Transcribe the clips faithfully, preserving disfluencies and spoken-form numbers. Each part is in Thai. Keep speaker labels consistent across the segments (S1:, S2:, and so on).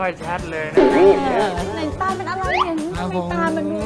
S1: อยชัดเลยนะ
S2: ในตาเป็นอะไรอย่างนี้ทำไมตามันดู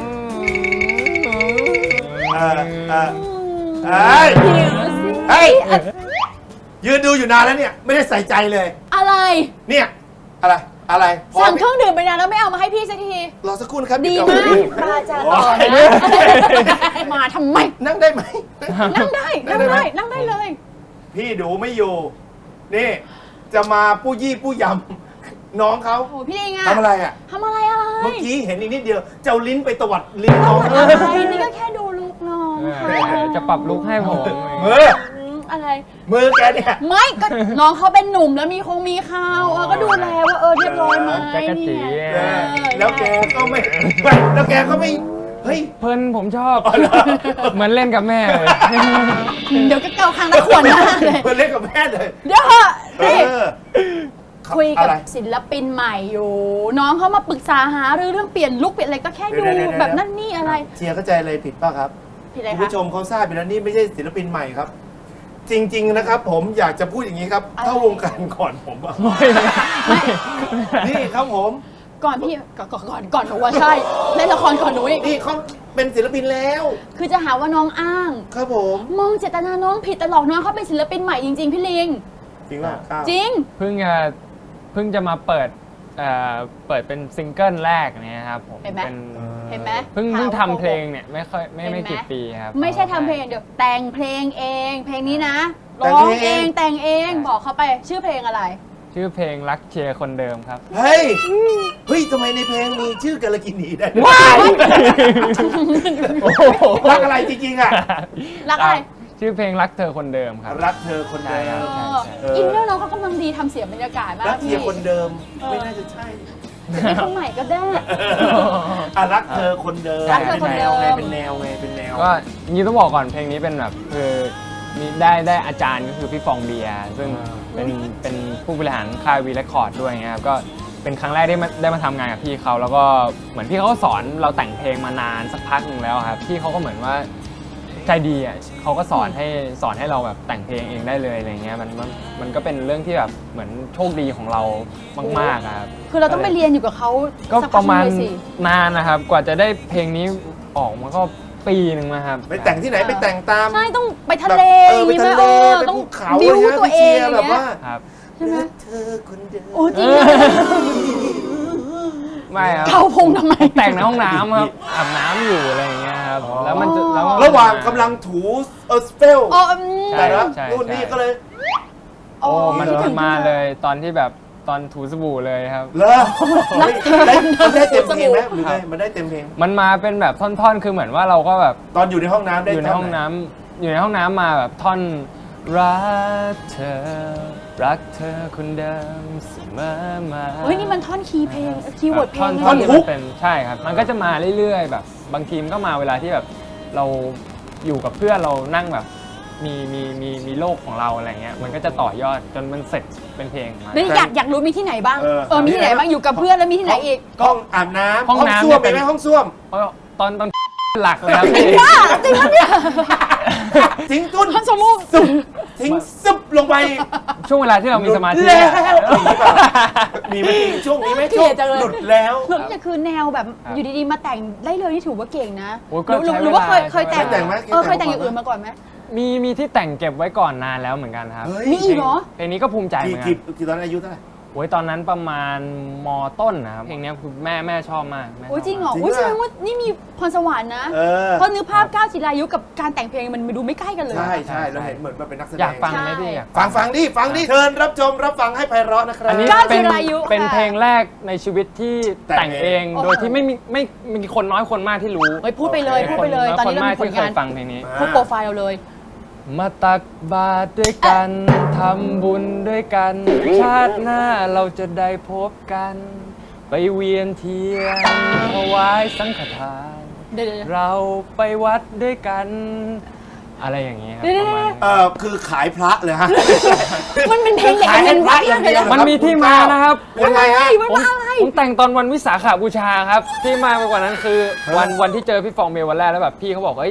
S1: เออเออเฮ้ยเฮ้ยยืนดูอยู่นานแล้วเนี่ยไม่ได้ใส่ใจเลย
S2: อะไร
S1: เนี่ยอะไรอะไร
S2: สั่งเครื่องดื่มไปนานแล้วไม่เอามาให้พี่สักที
S1: รอสักครู่นะครับ
S2: ดีมากปลาจาต่อนะมาทำไม
S1: นั่งได้ไหม
S2: นั่งได้นั่งได้นั่งได้เลย
S1: พี่ดูไม่อยู่นี่จะมาปู้ยี่ปู้ยำน้องเขา
S2: โอ้พี่ลิงอะ
S1: ทำอะไรอะ
S2: ทำอะไรอะไร
S1: เมื่อกี้เห็นอีกนิดเดียวเจ้าลิ้นไปตวัดลิ้นน้อง
S2: อะไรนี่ก็แค่ดูลุกน้อง
S3: จะปรับลุกให้ผม
S1: มือ
S2: อะไร
S1: มือแกเนี่ย
S2: ไม่ก็น้องเขาเป็นหนุ่มแล้วมีคงมีข่าวเออก็ดูแลว่าเออเรียบร้อยไหมนี่
S1: แล้วแกก็ไม่แล้วแกก็ไม่เฮ้ย
S3: เพิ่นผมชอบเหมือนเล่นกับแม่เลย
S2: เดี๋ยวก็เกาคางตะขวนหน้าเลย
S1: เพิ่นเล่นกับแม่เลย
S2: เดี๋ยวคุยกับศิลปินใหม่อยู่น้องเขามาปรึกษาหาเรื่องเปลี่ยนลุคเปลี่ยนอะไรก็แค่ดูแบบนั่นนี่อะไร
S1: เชียร์เข้าใจเลยผิดป่ะครับ
S2: ผิดอะไรคะ
S1: คุณผู้ชมเขาทราบอยู่แล้วนี่ไม่ใช่ศิลปินใหม่ครับจริงๆนะครับผมอยากจะพูดอย่างนี้ครับเข้าวงการก่อนผมอ่ะนี่ครับผม
S2: ก่อนพี่ก่อนก่อนก่อนก่อนหนูว่าใช่เล่นละครก่อนหนูอีก
S1: นี่เขาเป็นศิลปินแล้ว
S2: คือจะหาว่าน้องอ้าง
S1: ครับผม
S2: มองเจตนาน้องผิดตลอดน้องเขาเป็นศิลปินใหม่จริงๆพี่ลิง
S1: จริงป่ะ
S2: จริง
S3: เพิ่งจะเพิ่งจะมาเปิดเอ่อเปิดเป็นซิงเกิลแรกเนี่ยครับผม
S2: เห็นไหมเห็นไหม
S3: เพิ่งเพิ่งทำเพลงเนี่ยไม่ค่อยไม่ไม่กี่ปีครับ
S2: ไม่ใช่ทำเพลงเดี๋ยวแต่งเพลงเองเพลงนี้นะร้องเองแต่งเองบอกเขาไปชื่อเพลงอะไร
S3: ชื่อเพลงรักเชียร์คนเดิมครับ
S1: เฮ้ยเฮ้ยทำไมในเพลงมีชื่อกาลกินีได้
S2: ว้าย
S1: รักอะไรจริงๆอ่ะ
S2: รักอะไร
S3: ชื่อเพลงรักเธอคนเดิมครับ
S1: รักเธอคนเดิม
S2: อินเนอร์น้องเขากำลังดีทำเสียงบรรยากาศมาก
S1: รักเธอคนเดิมไม่น่าจะใช่
S2: เป็นคนใหม่ก็ได้
S1: รักเธอคนเดิม
S2: รักเธอคนเดิม
S1: เป็นแนวไงเป็นแนว
S3: ก็นี่ต้องบอกก่อนเพลงนี้เป็นแบบคือมีได้ได้อาจารย์ก็คือพี่ฟองเบียร์ซึ่งเป็นเป็นผู้บริหารค่ายวีเรคคอร์ดด้วยไงครับก็เป็นครั้งแรกได้มาได้มาทำงานกับพี่เขาแล้วก็เหมือนพี่เขาก็สอนเราแต่งเพลงมานานสักพักหนึ่งแล้วครับพี่เขาก็เหมือนว่าใจดีอ่ะเขาก็สอนให้สอนให้เราแบบแต่งเพลงเองได้เลยอะไรเงี้ยมันมันมันก็เป็นเรื่องที่แบบเหมือนโชคดีของเรามากๆครับ
S2: คือเราต้องไปเรียนอยู่กับเขา
S3: ก็ประมาณนานนะครับกว่าจะได้เพลงนี้ออกมาก็ปีหนึ่งนะครับ
S1: ไปแต่งที่ไหนไปแต่งตาม
S2: ใช่ต้องไปทะเล
S1: ไปทะเลไปภูเขา
S2: บิวตัวเอง
S1: แบบว่า
S3: ใช่ไหม
S1: เธอคนเดิม
S2: โอ้จริง
S3: ไม่ครับ
S2: เขาพงทำไม
S3: แต่งในห้องน้ำครับอาบน้ำอยู่อะไรอย่างเงี้ยครับแล้วมันจะแล้ว
S1: ระหว่างกำลังถูเออสเปลแต่ละรุ่นนี้ก็เลย
S3: โอ้มันมาเลยตอนที่แบบตอนถูสบู่เลยครับ
S1: เหรอมันได้เต็มเพลงไหมหรือไงมันได้เต็มเพลง
S3: มันมาเป็นแบบท่อนๆคือเหมือนว่าเราก็แบบ
S1: ตอนอยู่ในห้องน้ำได้
S3: อยู่ในห้องน้ำอยู่ในห้องน้ำมาแบบท่อนรักเธอรักเธอคนเดิมเสมอมา
S2: เฮ้ยนี่มันท่อนคีย์เพลงคีย์เวิร์ดเพลง
S3: ท่อนฮุกเป็นใช่ครับมันก็จะมาเรื่อยๆแบบบางทีมันก็มาเวลาที่แบบเราอยู่กับเพื่อนเรานั่งแบบมีมีมีมีโลกของเราอะไรเงี้ยมันก็จะต่อยอดจนมันเสร็จเป็นเพลงมา
S2: นี่อยากอยากรู้มีที่ไหนบ้างเออมีที่ไหนบ้างอยู่กับเพื่อนแล้วมีที่ไหนอีก
S1: ห้องอาบน้ำห้องน้ำส้วมเป็นไหมห้องส้วม
S3: ตอนตอนหลักเลยครับ
S2: จริงป่ะจริงป่ะเนี่ย
S1: ทิ้งตุ้น
S2: ท่านสมุ
S1: สุบทิ้งซุบลงไป
S3: ช่วงเวลาที่เรามีสมาธิ
S1: มีไหมช่วงนี้ไหมช่วงหลุดแล้ว
S2: หลุดนี่คือแนวแบบอยู่ดีๆมาแต่งได้เลยนี่ถือว่าเก่งนะหรือว่าเคยเคยแต่งเออเคยแต่งอย่างอื่นมาก่อนไหม
S3: มีมีที่แต่งเก็บไว้ก่อนนานแล้วเหมือนกันครับ
S2: มีอีกเหรอ
S3: เพลงนี้ก็ภูมิใจเหมือนกัน
S1: กี่ตอนอายุเท่าไหร่
S3: โอ้ยตอนนั้นประมาณม.ต้นนะครับเพลงนี้คือแม่แม่ชอบมาก
S2: โอ้ยจริงเหรอโอ้ยแสดงว่านี่มีพรสวรรค์นะเพราะนึกภาพก้าวจิรายุกับการแต่งเพลงมันดูไม่ใกล้กันเลย
S1: ใช่ใช่เราเห็นเหมือนมันเป็นนักแสดง
S3: อยากฟังไหมพี่
S1: ฟังฟังดิฟังดิเชิญรับชมรับฟังให้ไพเราะนะครับ
S3: อันนี้เป็นเป็นเพลงแรกในชีวิตที่แต่งเองโดยที่ไม่มีไม่มีคนน้อยคนมากที่รู้
S2: เฮ้ยพูดไปเลยพูดไปเลยตอนนี้เรามีผลงาน
S3: ฟังเพลงนี้
S2: พูดโปรไฟล์เราเลย
S3: มาตักบาตรด้วยกันทำบุญด้วยกันชาติหน้าเราจะได้พบกันไปเวียนเทียนถวายสังฆทานเราไปวัดด้วยกันอะไรอย่างเงี้ยครับ
S1: เออคือขายพระเลยฮะ
S2: มันเป็นเพลง
S1: ขายพระอย่างเดียว
S3: มันมีที่มานะครับ
S1: ยังไงฮะ
S3: ผมแต่งตอนวันวิสาขบูชาครับที่มากไปกว่านั้นคือวันวันที่เจอพี่ฟองเมลวันแรกแล้วแบบพี่เขาบอกเฮ้ย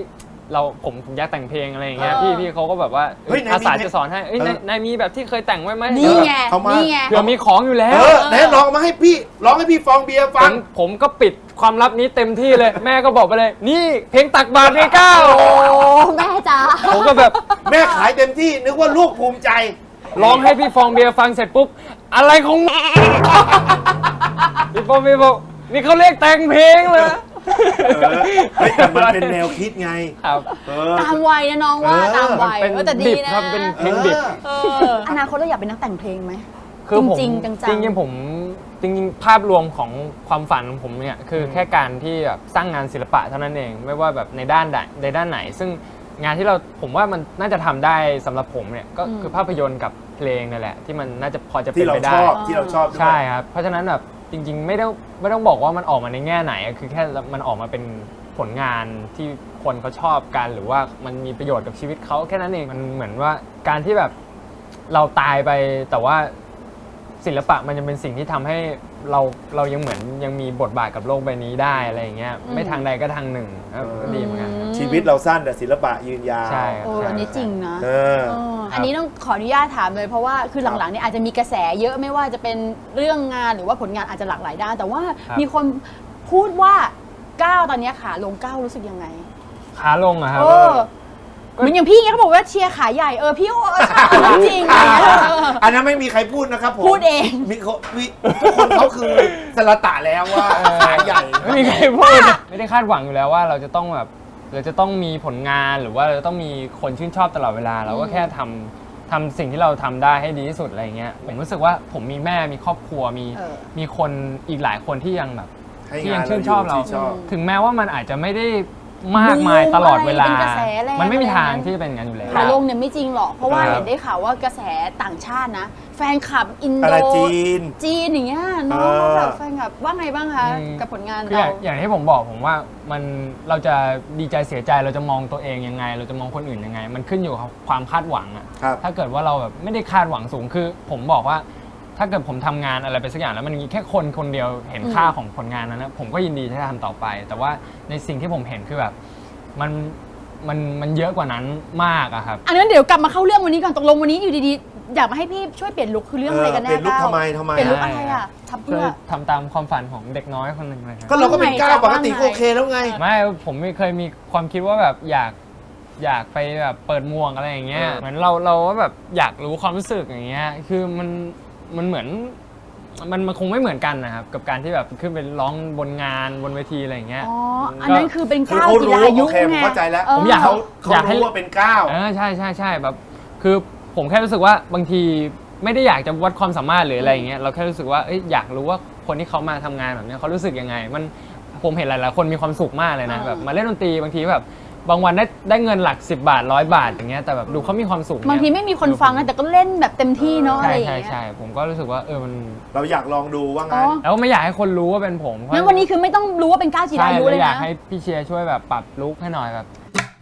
S3: เราผมผมอยากแต่งเพลงอะไรอย่างเงี้ย
S2: เออ
S3: พี่พี่เขาก็แบบว่า
S1: เฮ้ยนายมี
S3: อาสาจะสอนให้เอ้ย
S1: เออ
S3: นายนายมีแบบที่เคยแต่งไว้ไหม
S2: นี่ไง
S1: เอามานี่
S2: นี่ไง
S3: เผื่อมีของอยู่แล้
S1: เอ
S3: ว
S1: อไหนลองมาให้พี่ร้องให้พี่ฟองเบียร์
S3: ผ
S1: ฟัง
S3: มผมก็ปิดความลับนี้เต็มที่เลย แม่ก็บอกไปเลย นี่เพลงตักบาตรไงก้าว
S2: โอ้แม่จ๋า
S3: ผมก็แบบ
S1: แม่ขายเต็มที่นึกว่าลูกภูมิใจ
S3: ร้องให้พี่ฟองเบียร์ฟังเสร็จปุ๊บอะไรของมึงพี่ฟองเบียร์บอกนี่เขาเรียกแต่งเพลงเลย
S1: เออเฮ้ยแต่มันเป็นแนวคิดไง
S3: ครับ
S1: เออ
S2: ตามวัยนะน้องว่า
S1: เออ
S2: ตามวัย
S3: เป็น
S2: เออแต่ดี
S3: ดิบ
S2: นะครับ
S3: เป็นเพลงดิบ
S2: เอออนาคตเราอยากเป็นนักแต่งเพลงไหม
S3: คือผม
S2: จริงๆจังๆ
S3: จริงๆผมจริงๆภาพรวมของความฝันของผมเนี่ยคือแค่การที่แบบสร้างงานศิลปะเท่านั้นเองไม่ว่าแบบในด้านใดในด้านไหน ซึ่งงานที่เราผมว่ามันน่าจะทำได้สำหรับผมเนี่ยก็คือภาพยนตร์กับเพลงนั่นแหละที่มันน่าจะพอจะเป็
S1: ที่
S3: น
S1: เรา
S3: ไป
S1: ช
S3: ได้
S1: อบที่เราชอบด้วย
S3: ใช่ครับเพราะฉะนั้นแบบจริง ๆ ไม่ต้องไม่ต้องบอกว่ามันออกมาในแง่ไหนอะคือแค่มันออกมาเป็นผลงานที่คนเขาชอบกันหรือว่ามันมีประโยชน์กับชีวิตเขาแค่นั้นเองมันเหมือนว่าการที่แบบเราตายไปแต่ว่าศิลปะมันจะเป็นสิ่งที่ทำให้เราเรายังเหมือนยังมีบทบาทกับโลกใบนี้ได้อะไรอย่างเงี้ยไม่ทางใดก็ทางหนึ่งครับก็ดีเหมือนกันครับ
S1: ชีวิตเราสั้นแต่ศิลปะยืนยาว
S3: ใช่ครับ
S2: โอ้อันนี้จริงนะ
S1: เออ
S2: เอออันนี้ต้องขออนุญาตถามเลยเพราะว่าคือหลังๆเนี่ยอาจจะมีกระแสเยอะไม่ว่าจะเป็นเรื่องงานหรือว่าผลงานอาจจะหลากหลายด้านแต่ว่า
S3: ครับ
S2: มีคนพูดว่าก้าวตอนเนี้ยขาลงก้าวรู้สึกยังไง
S3: ขาลงอะครับ
S2: เออเหมือนอย่างพี่เงี้ยเขาบอกว่าเชียร์ขาใหญ่เออพี่โอ้เรื่องจริงอะไรเงี้ยเออ
S1: อันนั้นไม่มีใครพูดนะครับผม
S2: พูดเอง
S1: มีเขามีทุกคนเขาคือสลตะแล้วว่าขายใหญ่
S3: ไม่มีใครพูดไม่ได้คาดหวังอยู่แล้วว่าเราจะต้องแบบเราจะต้องมีผลงานหรือว่าเราจะต้องมีคนชื่นชอบตลอดเวลาเราก็แค่ทำทำสิ่งที่เราทำได้ให้ดีที่สุดอะไรเงี้ยผมรู้สึกว่าผมมีแม่มีครอบครัวมี
S2: เออ
S3: มีคนอีกหลายคนที่ยังแบบ
S1: ให้
S3: ที่
S1: งา
S3: ยั
S1: น
S3: งชื่นชอบเรา
S1: ที่ชอบ
S3: ถึงแม้ว่ามันอาจจะไม่ได้มากมายตลอดเวลา
S2: เป็นกระแสแรง
S3: มันไม่มีทาง
S2: อะไร
S3: ที่จะเป็นอย่างนั้นอยู่แล้ว
S2: ขาลงเนี่ยไม่จริงหรอกเพราะว่า
S3: ครับ
S2: เห็นได้ข่าวว่ากระแสต่างชาตินะ แฟนคลับอิน
S1: อะ
S2: โด
S1: ไรจีน
S2: จีนอย่างเงี้ยน้อง
S1: เออ
S2: แบบแฟนคลับว่าไงบ้างคะ
S3: อืม
S2: กับผลงาน
S3: คืออ
S2: เรา
S3: ย่างอย่างที่ผมบอกผมว่ามันเราจะดีใจเสียใจเราจะมองตัวเองยังไง เราจะมองคนอื่นยังไง มันขึ้นอยู่กับความคาดหวังอะ
S1: ครับ
S3: ถ้าเกิดว่าเราแบบไม่ได้คาดหวังสูงคือ ผมบอกว่า ถ้าเกิดผมทำงานอะไรไปสักอย่างแล้วมันมีแค่คนคนเดียวเห็นค่าของผลงานนั้นนะผมก็ยินดีที่จะทำต่อไป แต่ว่าในสิ่งที่ผมเห็นคือแบบมันมันมันเยอะกว่านั้นมากอะครับ
S2: อันนั้นเดี๋ยวกลับมาเข้าเรื่องวันนี้ก่อนตกลงวันนี้อยู่ดีๆอยากมาให้พี่ช่วยเปลี่ยนลุคคือเรื่องอะไรกันแน่
S1: เปลี่ยนลุค
S2: ก้าว
S1: ทำไมทำไม
S2: เปลี่ยนลุค
S3: อะ
S2: อะไรอ่ะทำ
S3: ช่
S2: เพื่
S3: วย
S2: อ
S3: ทำตามความฝันของเด็กน้อยคนหนึ่งเลยครับ
S1: ก็เราก็เป็นก้าวปกติก็
S2: ว่าไง
S1: โอเคแล้วไง
S3: ไม่ผมไม่เคยมีความคิดว่าแบบอยากอยากไปแบบเปิดหมวกอะไรอย่างเงี้ย
S1: เออ
S3: เหมือนเราเราว่าแบบอยากรู้ความรู้สึกอย่างเงี้ยคือมันมันเหมือนมันมันคงไม่เหมือนกันนะครับกับการที่แบบขึ้นไปร้องบนงานบนเวทีอะไรอย่างเงี้ย
S2: อ๋ออันนั้นคือเป็น
S1: คือ
S2: ก้าว
S1: เขา
S2: กี
S1: รู้
S2: ฬายุ
S1: โอเคผม
S2: ไง
S1: เข้าใจแล้ว
S2: เออ
S3: ผมอยาก
S1: เขาเขา
S3: อยากให้
S1: รู้ว่าเป็นก้าว
S3: เออใช่ใช่ใช่แบบคือผมแค่รู้สึกว่าบางทีไม่ได้อยากจะวัดความสามารถหรืออะไรอย่างเงี้ยเราแค่รู้สึกว่าเอ้ยอยากรู้ว่าคนที่เขามาทำงานแบบเนี้ยเขารู้สึกยังไง มันผมเห็นหลายๆคนมีความสุขมากเลยนะ
S2: เออ
S3: แบบมาเล่นดนตรีบางทีแบบบางวันได้ได้เงินหลักสิบบาทร้อยบาทอย่างเงี้ยแต่แบบดูเขามีความสุข
S2: บางทีไม่มีคนฟังนะแต่ก็เล่นแบบเต็มที่เนาะอะ
S3: ใช่
S2: ไรอย่าง
S3: ใช่
S2: เงี้ย
S3: ใช่ผมก็รู้สึกว่าเออมัน
S1: เราอยากลองดูว่า
S2: อ๋
S1: งั้น
S2: อ
S3: แล้วไม่อยากให้คนรู้ว่าเป็นผมเพราะ
S2: งั้นวันนี้คือไม่ต้องรู้ว่าเป็นก้าวกีฬา
S3: ใช่
S2: ยุ
S3: แล้
S2: เล
S3: วย อยาก
S2: นะ
S3: ให้พี่เชียร์ช่วยแบบปรับลุคให้หน่อยแบบ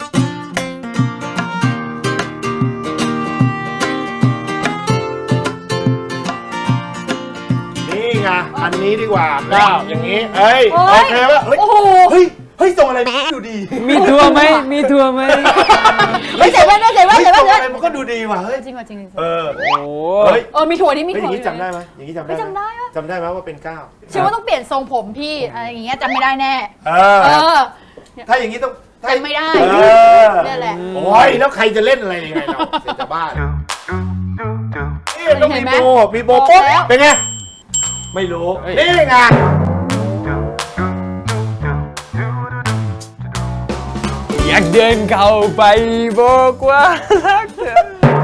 S1: นี่ไงอันนี้ดีกว่าก้าวอย่างนี้ เอ้ย
S2: โอ้
S1: โอย เคว่าเฮ้ย
S2: โอ้โห
S1: เฮ้ยเฮ้ยส่งอะไรดูดี
S3: มีทัวร์ไหมมีทัวร์ไหม
S2: ไม่ใส่แว่นไม่ใส่แว่น
S1: เฮ้ย
S2: ใส่แว่
S1: ส่
S2: น
S1: ง
S2: ใส่
S1: อะไร
S2: แว่น
S1: มันก็ดูดีว่ะเฮ้ย
S2: จริงว่ะจริง
S1: เออ
S3: โอ้
S1: เฮ้ย
S2: เออมีถั่วนี่มี
S1: เฮ้ยอ
S2: ถั่ว
S1: ย่างนี้จำได้ไหมอย่างนี้จำได้
S2: ไม่
S1: ไหม
S2: จำได้ปะ
S1: จำได้ไหมว่าเป็นก้าว
S2: เชื่อว่าต้องเปลี่ยนทรงผมพี่อะไรอย่างเงี้ยจำไม่ได้แน่
S1: เอ
S2: เอ
S1: อ
S2: อ
S1: ถ้าอย่างนี้ต้องถ้า
S2: จำไม่ได้
S1: เออ
S2: เนี่ยแหละ
S1: โอ้ยแล้วใครจะเล่นอะไรยังไงเราเสียจะบ้าเอ๊ะต้อง
S2: เห็
S1: มี
S2: นไหม
S1: โบมีโบปุ๊บ
S2: บอกแล้ว
S1: เป็นไงไม่รู้
S3: เฮ้ย
S1: นี่ไง
S3: อยากเดินเข้าไปบอกว่ารักเธอ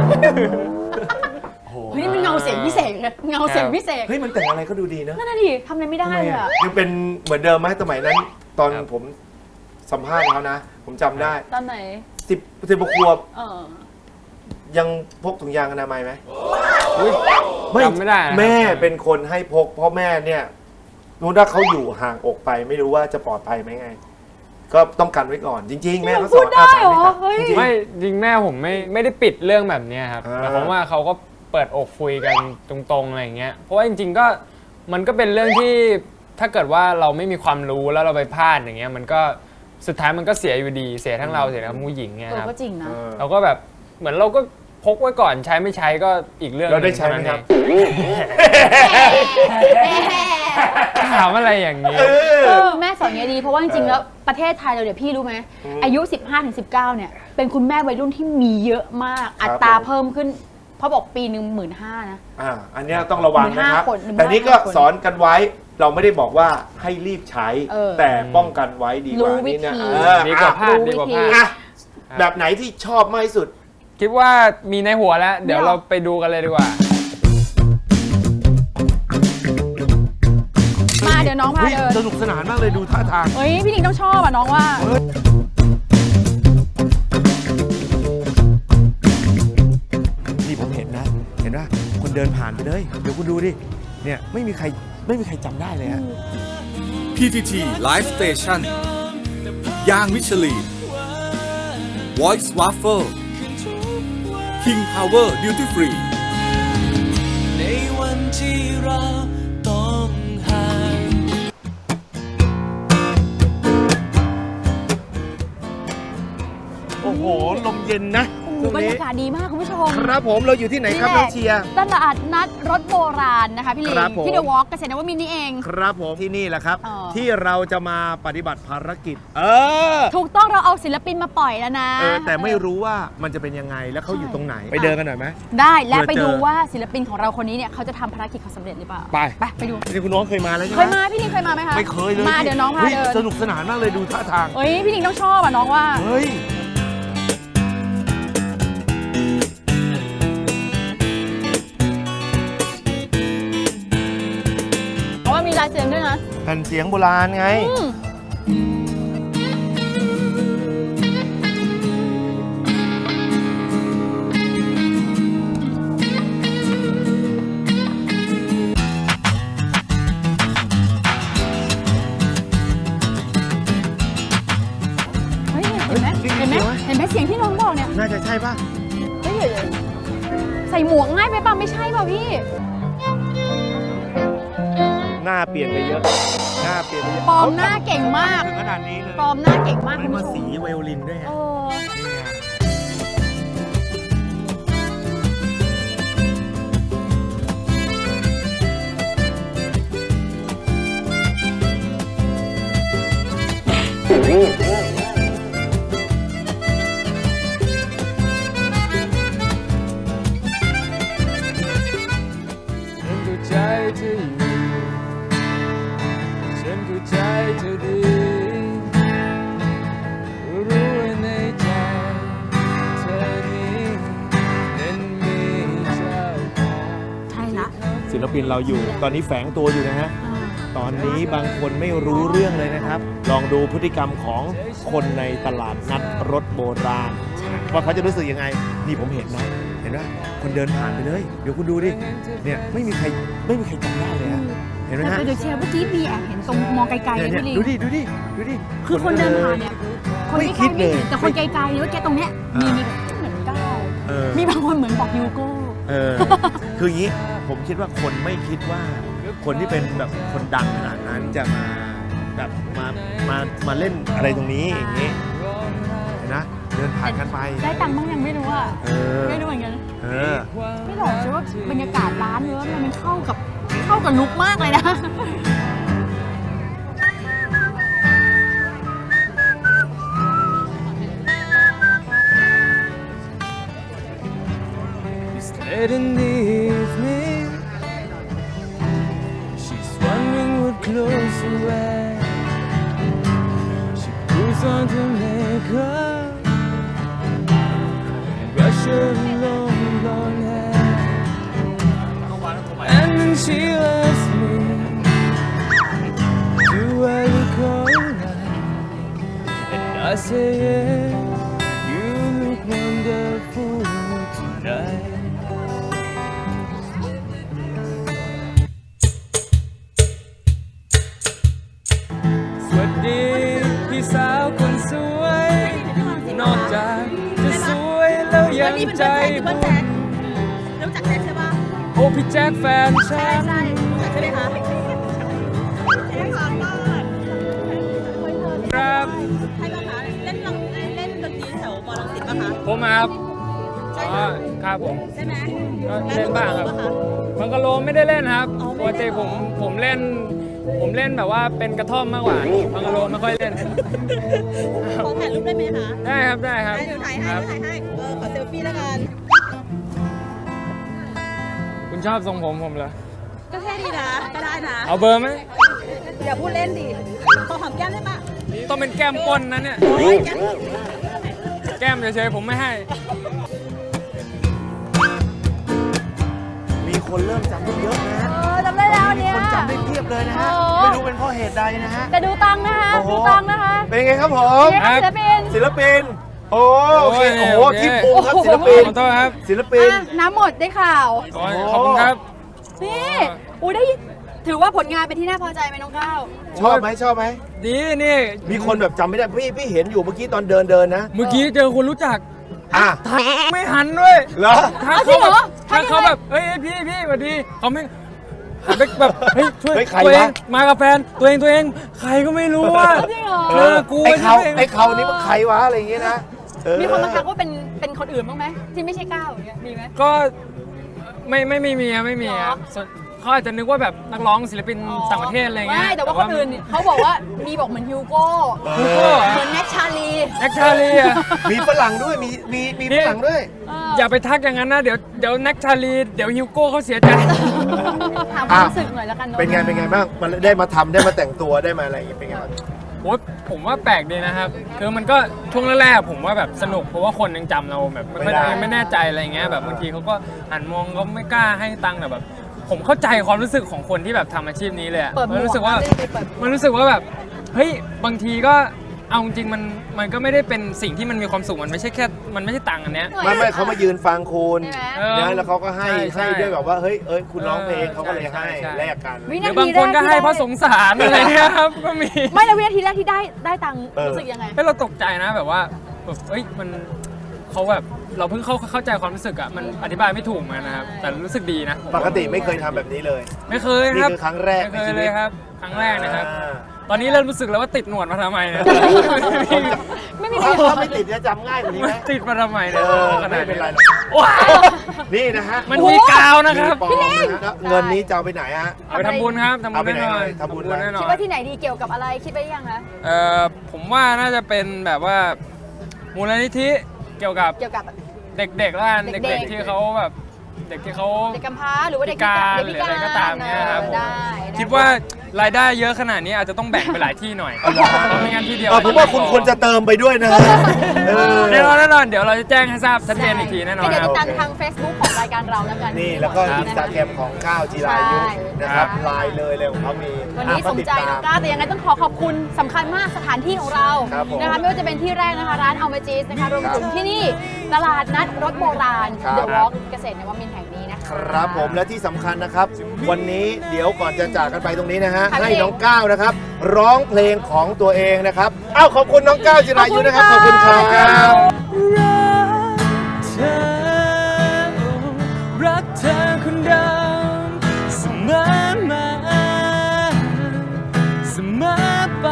S2: เฮ้ยนี่มันเงาเสียงพิเศษเลยเงาเสียงพิเศษ
S1: เฮ้ยมันแต่งอะไรก็ดูดีนะ
S2: นั่นน่ะดิทำอะไรไม่ได้
S1: ทำไม
S2: เลย
S1: อ่ะ
S2: อะ
S1: ยังเป็นเหมือนเดิมไหมสมัยนั้น ตอน
S3: ครับ
S1: ผมสัมภาษณ์เขานะ ผมจำได้
S2: ตอนไหน
S1: สิบสิบขวบ
S2: เออ
S1: ยังพกถุงยางอนามัยไหม
S3: อุ๊ย จำไม่ได้นะครับ
S1: แม่เป็นคนให้พก เพราะแม่เนี่ยรู้ถ้าเขาอยู่ห่างอกไป ไม่รู้ว่าจะปลอดภัยไหมไง ก็ต้องกันไว้ก่อน จริง ๆ แม่เขาส
S2: พู
S1: อ
S2: ด
S1: น
S2: ได้เหรอ
S1: อาสา
S2: เฮ้ย
S1: จริงๆ
S3: ไม่จริงแม่ผมไม่ไม่ได้ปิดเรื่องแบบเนี้ยครับ
S1: อ่า
S3: แต่ผมว่าเขาก็เปิดอกคุยกันตรงๆอะไรอย่างเงี้ยเพราะว่าจริงๆก็มันก็เป็นเรื่องที่ถ้าเกิดว่าเราไม่มีความรู้แล้วเราไปพลาดอย่างเงี้ยมันก็สุดท้ายมันก็เสียอยู่ดีเสียทั้งเราเสียทั้งผู้หญิงไง
S2: เออ
S3: ครับ
S2: ก็จริงนะ
S3: เราก็แบบเหมือนเราก็พกไว้ก่อนใช้ไม่ใช้ก็อีกเรื่อง
S1: เราได้ใช้ไหมครับ
S3: ถามอะไรอย่างนี้
S2: เออแม่สอนอย่างนี้ดีเพราะว่าจริงๆแล้วประเทศไทยเราเดี๋ยวพี่รู้ไหมอายุ สิบห้าถึงสิบเก้า เนี่ยเป็นคุณแม่วัยรุ่นที่มีเยอะมาก อัตราเพิ่มขึ้นเพราะบอกปีหนึ่งหมื่นห้านะ
S1: อ่าอันเนี้ยต้องระวังนะครับ
S2: หมื่นห้าคนหนึ่ง
S1: แต่นี่ก็
S2: หมื่นห้าคน
S1: สอนกันไว้เราไม่ได้บอกว่าให้รีบใช้
S2: เออ
S1: แต่ป้องกันไว้ดีกว่า
S2: รู้วิ
S1: นี่นะ
S2: ธี
S1: เออ
S3: ดีกว่าพลาด
S2: รู้
S3: ดีกว่า
S2: วิธี
S3: พลาด
S1: อ่ะแบบไหนที่ชอบมากที่สุด
S3: คิดว่ามีในหัวแล้ว เดี๋ยวเราไปดูกันเลยดีกว่า
S2: มาเดี๋ยวน้องพา
S1: เฮ้ย
S2: เดิน
S1: สนุกสนานมากเลยดูท่าทาง
S2: เฮ้ยพี่หนิงต้องชอบอ่ะน้องว่า
S1: นี่ผมเห็นนะ เห็นว่าคนเดินผ่านไปเลยเดี๋ยวคุณดูดิเนี่ยไม่มีใครไม่มีใครจำได้เลยฮะ
S4: พี ที ที Live Station ย่างมิชลีน Voice Waffle King Power Duty Free
S5: ในวันที่เราต้องห่าง
S1: โอ้โหลมเย็นนะ
S2: โอ้โหบรรยากาศดีมากคุณผู้ชม
S1: ครับผมเราอยู่ที่ไหนครับน้องเชียร์
S2: ตลาดนัดรถโบราณนะคะพี่ลิง
S1: ครับผม
S2: ที่เดอะวอล์กเกษตรนวมินทร์นี่เอง
S1: ครับผมที่นี่แหละครับ
S2: อ๋อ
S1: ที่เราจะมาปฏิบัติภารกิจ เออ
S2: ถูกต้องเราเอาศิลปินมาปล่อยแล้วนะ
S1: เออแต่ไม่รู้ว่ามันจะเป็นยังไงแล้วเขาอยู่ตรงไหน
S2: ใช่
S1: ไปเดินกันหน่อยไหม
S2: ได้และไป
S1: เผื่อเจอ
S2: ดูว่าศิลปินของเราคนนี้เนี่ยเขาจะทำภารกิจเขาสำเร็จหรือเปล่า
S1: ไป
S2: ไปไปดู
S1: นี่คุณน้องเคยมาแล้วใช่ไห
S2: เค
S1: ม
S2: ยมาพี่ลิงเคยมาไหมคะ
S1: ไม่เคยเลย
S2: มาเดี๋ยวน้องพา
S1: ฮ้
S2: เดิน
S1: สนุกสนานมากเลยดูท่าทาง
S2: เฮ้ยพี่ลิงต้องชอบอ่ะน้องว่า
S1: เฮ้ย
S2: เพราะว่ามีลายเซ็นด้วยนะ
S1: แผ่นเสียงโบราณไง
S2: อืม เฮ้ยเห็นไหม
S1: เฮ้ย
S2: เห็นไหม
S1: เสียงวะ
S2: เห็นไหมเสียงที่น้องบอกเนี่ย
S1: น่าจะใช่ป่ะ
S2: เฮ้ยใส่หมวกง่ายไปป่ะไม่ใช่ป่ะพี่
S1: หน้าเปลี่ยนไปเยอะ หน้าเปลี่ยนไปเยอะ
S2: ปลอมหน้าเก่งมาก
S1: ถึงขนาดนี้เลย
S2: ปลอมหน้าเก่งมาก
S1: เฮ้
S2: คุ
S1: ย
S2: ณ
S1: มา
S2: ผู้ช
S1: สี
S2: ม
S1: ไวโอลินด้วยไง
S2: เออ
S1: นี่ไง
S3: ฉันเข้าใจเธออยู่ฉันเข้าใจเธอดี รู้ว่าในใจเธอนี้นั้นมีเจ้าของ
S2: ใช่ละ
S1: ศิลปินเราอยู่ ตอนนี้แฝงตัวอยู่นะฮะ ตอนนี้บางคนไม่รู้เรื่องเลยนะครับ ลองดูพฤติกรรมของคนในตลาดนัดรถโบราณ ว่าเขาจะรู้สึกยังไง นี่ผมเห็นนะ เห็นว่าคนเดินผ่านไปเลย เดี๋ยวคุณดูดิ เนี่ยไม่มีใครไม่มีใครจำได้เลยฮะ เห็นไหมฮะ
S2: แต่เดี๋ยวเชียร์เมื่อกี้มีแอบเห็นตรงมองไกลๆ
S1: เนี่ย
S2: เลย
S1: เนี่ย
S2: พี่ลิง
S1: ดูดิ ดูดิ ดูดิ
S2: คือคนเดินผ่านเนี่ย คน
S1: ไม่
S2: ใก
S1: คิ
S2: ล้
S1: ด
S2: ๆ
S1: เล
S2: ไม่
S1: ย
S2: เห็นแต่คนไกลๆหรือว่าแกตรงเนี้ยมี
S1: อ่า
S2: มีแบบเหมือนก้าว
S1: เออ
S2: มีบางคนเหมือนบอกยูโก้
S1: เออ คืออย่างนี้ ผมคิดว่าคนไม่คิดว่า คนที่เป็นแบบคนดังขนาดนั้นจะมาแบบมา มา มาเล่นอะไรตรงนี้อย่างนี้ เห็นนะ เดินผ่านกันไป
S2: ได้ตังค์บ้างยังไม่รู้อ่ะ
S1: เออ
S2: ไม่รู้เหมือนกัน
S1: เออ
S2: ไม่หลอกใช่ว่าบรรยากาศร้านเนื้อมันเข้ากับเข้ากับลุคมากเลยนะ
S3: It's late in the evening. She's wondering what clothes to wear. She puts on her makeup and brush her long blonde hair. And then she asks me, do I look alright? And I say yes, you look wonderful tonight. สวัสดีพี่สาวคนสวย นอกจากจะสวยแล้วยังใจบุญ
S2: รู้จักแจ็คใช่ปะ
S3: โอ้พี่แจ็คแฟนฉัน
S2: ใช่รู้จักใช่ไหมคะ
S3: ครับ
S2: ให้เรา
S3: ผมมาครับอ๋อครับผม
S6: ใช่ไหม
S3: ก็เล่นบ้างครับบังกะโลไม่ได้เล่นครับ
S6: อ๋อ
S3: ป
S6: ไม่
S3: ก
S6: ได้
S3: ติผมผมเล่น ผมเล่นแบบว่าเป็นกระท่อมมากกว่าบังกะโลไม่ค่อยเล่น
S6: ขอถ่ายรูปได้ไหมคะ
S3: ได้ครับได้ครับ
S6: ได้เดี๋ยวถ่ายให้
S3: ครับ
S6: เดี๋ยวถ่ายให้ เออ ขอเซลฟี่แล้วกัน
S3: คุณชอบทรงผมผมเหรอ
S6: ก็เท่ดีนะ ก็ได้นะ
S3: เอาเบอร์ไหม
S6: อย่าพูดเล่นดิ ขอหอมแก้มได้ปะ
S3: ต้องเป็นแก้มก้นนะเนี่ย
S6: โอ้ยแก้ม
S3: แก้มเฉยๆผมไม่ให้
S1: มีคนเริ่มจำได้เยอะนะฮะ
S2: เออจำได้แล้ว
S1: มี
S2: เนี่ย
S1: คนจำได้เพียบเลยนะฮะ
S2: โอ้
S1: ไม่รู้เป็นเพราะเหตุใดนะฮะ
S2: แต่ดูตังค์นะคะ
S1: โอ้โห
S2: ดูตังค์นะคะ
S1: เป็นไงครับผม
S2: เป็นไงคะศิลปิน
S1: ศิลปิน โอ้โอเค
S3: โอ้
S1: โอ้
S3: ย
S1: โห
S3: โอเค
S1: ที่ปูครับศิลปิน
S3: ขอโทษครับ
S1: ศิลปิน
S2: อ่ะน้ำหมดได้ข่าว
S3: โอ้ยขอบคุณครับ
S2: นี่อุ้ยได้ถือว่าผลงานเป็นที่น่าพอใจไหมน้องก้าว
S1: ชอบไหมชอบไหม
S3: ดีนี่
S1: มีคนแบบจำไม่ได้พี่พี่เห็นอยู่เมื่อกี้ตอนเดินเดินนะ
S3: เมื่อกี้เจอคนรู้จัก
S1: อ่ะ
S3: ไม่หันด้วย
S1: เหรอ
S3: ทัก
S2: เอาจริ
S3: เขา
S2: งเหร
S3: แบ
S2: อบ
S3: ทักเขาแบบเฮ้ยพี่พี่สวัสดีเขาไม่หันไปแบบเฮ้ยช่วย
S1: เฮ้ยใคร
S3: ตัวเอง
S1: วะ
S3: มากับแฟนตัวเองตัวเองใครก็ไม่รู้ว่า
S2: จริงเหรอ
S3: เออกู
S1: ไอ้เขา
S3: ใช่ไหม
S1: ไอ้เขานี่มันใครวะอะไรอย่างเงี้ยนะเออ
S2: มีคนมาทักว่าเป็นเป็นคนอื่นบ้างไหมที่ไม่ใช่ก้าวอย่างเงี้ยมีไหม
S3: ก็ไม่ไม่ไม่มีอะไม่มี
S2: เหร
S3: อะ
S2: อ
S3: ส่วนเขาอาจจะนึกว่าแบบนักร้องศิลปินต่างประเทศอะไรเงี้ย
S2: ไม่แต่ว่าคนอื่นเขาบอกว่ามีบอกเหมือนฮิวโก้
S3: ฮูโก้
S2: เหมือนแน็กชาลี
S3: แอคชาลีอะ
S1: มีฝรั่งด้วยมีมีมีฝรั่งด้วย
S2: เอ
S3: อย่าไปทักอย่างนั้นนะเดี๋ยวเดี๋ยวแน็กชาลีเดี๋ยวฮิวโก้เขาเสียใจ
S2: ถามความรู้สึกหน่อยแล้วกันเนาะ
S1: เป็นไงเป็นไงบ้างมันได้มาทำได้มาแต่งตัวได้มาอะไรอย่างเงี้ยเป็นไงบ้าง
S3: โอ้ยผมว่าแปลกดีนะครับ คือมันก็ช่วงแรกๆผมว่าแบบสนุกเพราะว่าคนยังจำเราแบบไม่
S1: ไม่ได้
S3: ไม่ไม่แน่ใจอะไรเงี้ยแบบบางทีเขาก็หันมองเขาไม่กล้าให้ตังค์แต่แบบ ผมเข้าใจความรู้สึกของคนที่แบบทำอาชีพนี้เลยอะ
S2: เปิดหมวก
S3: มันรู้สึกว่า
S2: ไม่ได้ไปเปิดหมวก
S3: มันรู้สึกว่าแบบเฮ้ยบางทีก็เอาจริงๆมันมันก็ไม่ได้เป็นสิ่งที่มันมีความสุขมันไม่ใช่แค่มันไม่ใช่ตังค์อันเนี้ย
S1: ไม่ไม่เขามายืนฟังคุณ
S2: ใช่ไหม
S3: เออ
S1: นะแล้วเขาก็ให้
S3: ใช่
S1: ให้ด้วยแบบว่าเฮ้ยเอ้ยคุณร้องเพลง
S3: เออ
S1: เขาก็เลย
S3: ใช่
S1: ให้
S3: ใช่
S1: แลกกัน
S2: วิ
S3: ห
S2: นา
S3: รือ
S2: ที
S3: บางคนก็ให้เพราะสงสารอะไรเงี้ยครับก็มี
S2: ไม่แล้ววินาทีแรกที่ได้ได้ตังค์
S1: เออ
S2: รู้สึกยังไง
S3: เฮ้ยเราตกใจนะแบบว่าแบบเฮ้ยมันเขาแบบเราเพิ่งเข้าเข้าใจความรู้สึกอะมันอธิบายไม่ถูกเหมือนกันนะครับแต่รู้สึกดีนะ
S1: ปกติไม่เคยทำแบบนี้เลย
S3: ไม่เคยครับ
S1: นี่คือครั้งแรก
S3: ไม่เค
S1: ในชี
S3: ย
S1: วิต
S3: เลยครับ ครั้งแรกนะครับ
S1: อ่า
S3: ตอนนี้เริ่มรู้สึกแล้วว่าติดหนวดมาทำไมเนี่ย
S2: ไม่มี
S1: ถ้า
S2: ประโยช
S1: ถ้า
S2: น์
S1: ไม่ติดจะจำง่ายกว่านี้ไหม
S3: ติดมาทำไม
S1: เอ
S3: เนี่ย
S1: อ
S3: ขนา
S1: ไม่
S3: ด
S1: เป็นไร
S3: ว้าว
S1: นี่นะฮะ
S3: มันมีกาวนะครับ
S1: มีปลอมนะฮะแล้วเงินนี้จะเอาไปไหนฮะ
S3: เอาไปทำบุญครับทำบุ
S1: เอา
S3: ญ
S1: ไป
S3: แน่
S1: ไหน
S3: นอน
S1: เลยทำบุญอะไร
S3: แน่นอ
S2: คิด
S3: น
S2: ว่าที่ไหนดีเกี่ยวกับอะไรคิดไว้ยังคะ
S3: เอ่อผมว่าน่าจะเป็นแบบว่ามูลนิธิเกี่ยวกับ
S2: เกี่ยวกับ
S3: เด็กๆแล้วกัน
S2: เด็
S3: เด็
S2: ก
S3: ก
S2: ๆ
S3: ๆที่เขาแบบเด็กที่เขา
S2: เด็กกำพร้าหรือว่าเด็ก
S3: พิการ
S2: เด็ก
S3: หรื
S2: พิ
S3: ออะไรก็ตามเนี่ยครับผม
S2: ได้ได้
S3: คิดว่ารายได้เยอะขนาดนี้อาจจะต้องแบ่งไปหลายที่หน่อยเพราะไม่งั้นที่เดียว
S1: เออผมว่าคุณควรจะเติมไปด้วยนะฮะเออ
S3: แน่นอนแน่นอนเดี๋ยวเราจะแจ้งให้ทราบชัดเจนอีกทีแน่นอน
S2: ก็เดี๋ยว
S3: ครั
S2: ติ
S3: บ
S2: ดตามทาง Facebook ของรายการเราแล้วกัน
S1: นี่แล้วก็
S2: ค
S1: อินสตาแกรมของก้าวจีรายุนะครับไลน์เลยเลยของเขามี
S2: วันนี้
S1: อ่ะก็
S2: สม
S1: ติด
S2: ใจ
S1: ตา
S2: น้องก้าวแต่ยังไงต้องขอขอบคุณสำคัญมากสถานที่ของเรา
S1: ครับผม
S2: นะคะไม่ว่าจะเป็นที่แรกนะคะร้านอัลเมจิสนะคะรวมถึงที่นี่ตลาดนัดรถโบราณ
S1: ครับ
S2: เดอะวอล์กเกษตรนวมินทร์แห่งนี้นะคะ
S1: ครับผมและที่สำคัญนะครับ วันนี้เดี๋ยวก่อนจะจากกันไปตรงนี้นะฮะ
S2: ค่ะ
S1: ให้
S2: พี่
S1: น้องก้าวนะครับ ร้องเพลงของตัวเองนะครับอ้าวขอบคุณน้องก้าวจิรายุนะครับขอบคุณครับ
S5: รักเธอ รักเธอคนเดิมเสมอมาเสมอไป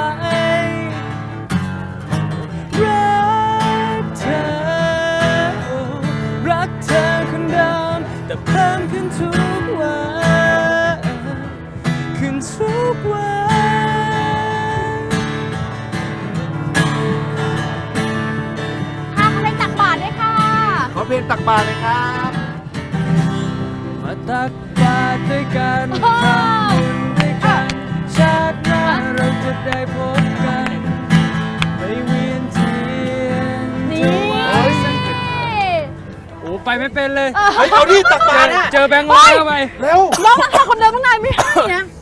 S5: รักเธอ รักเธอคนเดิมแต่เพิ่มขึ้นทุกวันขึ้นทุกวัน
S2: ค่ะเพลงตักบาตรด้วยค่ะ
S1: ขอเพลงตักบาตรเลยครับ
S5: มาตักบาตรด้วยกัน
S2: โอ้
S5: ทำบุญด้วยกัน ชาติหน้าเราจะได้พบกันไปเวียนเทียน
S2: นี่
S5: ถวายสังฆทาน
S3: โอ้ไปไม่เป็นเลย
S1: เฮ้ยเอาดิตักบาตรนะ
S3: เจอแบงค์ร้อยเข้าไป
S1: เร็ว
S2: น้องรักเธอคนเดิมตั้งนานไม่ให้นะ